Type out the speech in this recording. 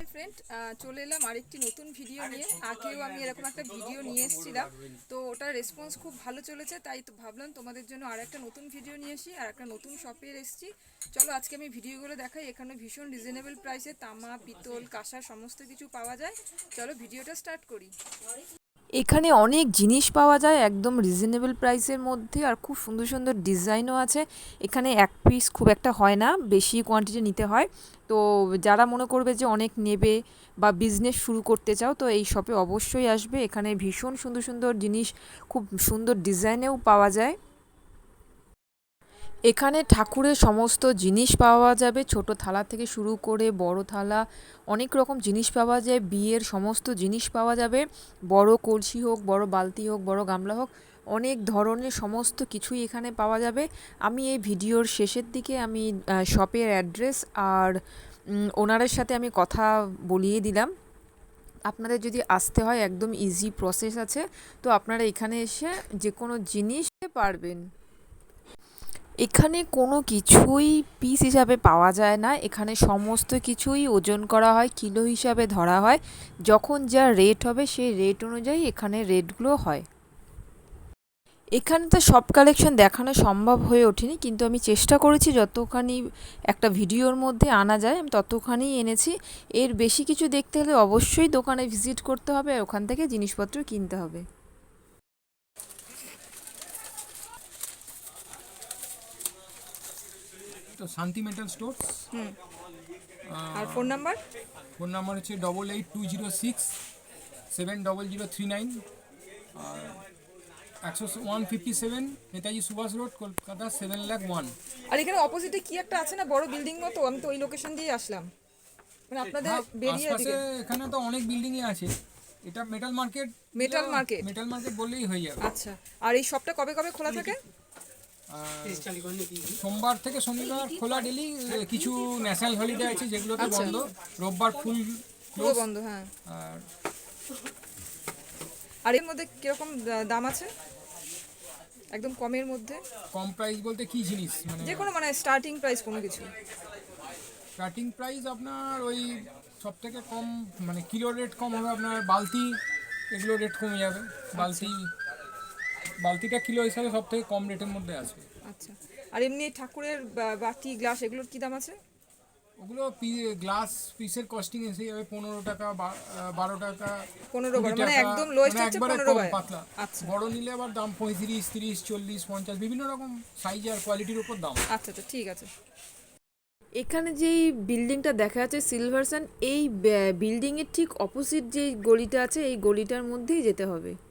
Friend, চলে এলাম আরেকটি নতুন ভিডিও নিয়ে। আগেও আমি এরকম একটা ভিডিও নিয়ে এসেছিলাম, তো ওটার রেসপন্স খুব ভালো চলেছে, তাই তো ভাবলাম তোমাদের জন্য আর একটা নতুন ভিডিও নিয়ে আসি। আর একটা নতুন শপে এসেছি। চলো আজকে আমি ভিডিওগুলো দেখাই। এখানে ভীষণ রিজনেবল প্রাইসে তামা, পিতল, কাঁসা সমস্ত কিছু পাওয়া যায়। চলো ভিডিওটা স্টার্ট করি। এখানে অনেক জিনিস পাওয়া যায় একদম রিজনেবল প্রাইসের মধ্যে, আর খুব সুন্দর সুন্দর ডিজাইনও আছে। এখানে এক পিস খুব একটা হয় না, বেশি কোয়ান্টিটি নিতে হয়। তো যারা মনে করবে যে অনেক নেবে বা বিজনেস শুরু করতে চাও, তো এই শপে অবশ্যই আসবে। এখানে ভীষণ সুন্দর সুন্দর জিনিস খুব সুন্দর ডিজাইনেও পাওয়া যায়। এখানে ঠাকুরের সমস্ত জিনিস পাওয়া যাবে, ছোট থালা থেকে শুরু করে বড় থালা, অনেক রকম জিনিস পাওয়া যায়। বিয়ের সমস্ত জিনিস পাওয়া যাবে, বড় কলসি হোক, বড় বালতি হোক, বড় গামলা হোক, অনেক ধরনের সমস্ত কিছুই এখানে পাওয়া যাবে। আমি এই ভিডিওর শেষের দিকে আমি শপের অ্যাড্রেস আর ওনারের সাথে আমি কথা বলিয়ে দিলাম। আপনাদের যদি আসতে হয় একদম ইজি প্রসেস আছে, তো আপনারা এখানে এসে যে কোনো জিনিস পারবেন। এখানে কোনো কিছুই পিস হিসাবে পাওয়া যায় না, এখানে সমস্ত কিছুই ওজন করা হয়, কিলো হিসাবে ধরা হয়। যখন যা রেট হবে সেই রেট অনুযায়ী এখানে রেটগুলো হয়। এখানে তো সব কালেকশন দেখানো সম্ভব হয়ে ওঠেনি, কিন্তু আমি চেষ্টা করেছি যতখানি একটা ভিডিওর মধ্যে আনা যায় আমি ততখানি এনেছি। এর বেশি কিছু দেখতে হলে অবশ্যই দোকানে ভিজিট করতে হবে আর ওখান থেকে জিনিসপত্র কিনতে হবে। তো শান্তি মেটাল স্টোর্স। আর ফোন নাম্বার? ফোন নাম্বার হচ্ছে 8820670039, আর 157 নেতাজি সুভাষ রোড, কলকাতা 7,01,000। আর এখানে অপোজিটে কি একটা আছে না, বড় বিল্ডিং মতো? আমি তো ওই লোকেশন দিয়ে আসলাম, মানে আপনাদের বেরিয়ে আশপাশে দিকে। এখানে তো অনেক বিল্ডিংই আছে। এটা metal market. Metal market. Metal market বললেই হয়ে যাবে। আচ্ছা, আর এই শপটা কবে কবে খোলা থাকে? সোমবার থেকে শনিবার খোলা ডেলি, কিছু ন্যাশনাল হলিডে আছে যেগুলোতে আচ্ছা। বন্ধ। রোববার ফুল পুরো বন্ধ, হ্যাঁ। আর আর এর মধ্যে কিরকম দাম আছে, একদম কমের মধ্যে? কম প্রাইস বলতে কি জিনিস, মানে যে কোনো, মানে স্টার্টিং প্রাইস কোনো কিছু? স্টার্টিং প্রাইস আপনার ওই সব থেকে কম, মানে কিলো রেট কম হবে আপনার বালতি, এগুলো রেট কমে যাবে। বালতিটা কিলো হিসাবে সব থেকে কম রেটের মধ্যে আসবে। আচ্ছা, আর এমনি ঠাকুরের বাটি, গ্লাস, এগুলোর কি দাম আছে? ওগুলো গ্লাস পিসের কস্টিং এসে যাবে 15 টাকা, 12 টাকা, 15 20 মানে টাকা, একদম লোয়েস্ট মানে হচ্ছে একবারে 15 কম টাকা। পাতলা। আচ্ছা বড় নিলে আবার দাম 35, 30, 40, 50, বিভিন্ন রকম সাইজ আর কোয়ালিটির উপর দাম। আচ্ছা আচ্ছা, ঠিক আছে। এখানে যেই বিল্ডিংটা দেখা যাচ্ছে সিলভার সান, এই বিল্ডিংয়ের ঠিক অপোজিট যেই গলিটা আছে এই গলিটার মধ্যেই যেতে হবে।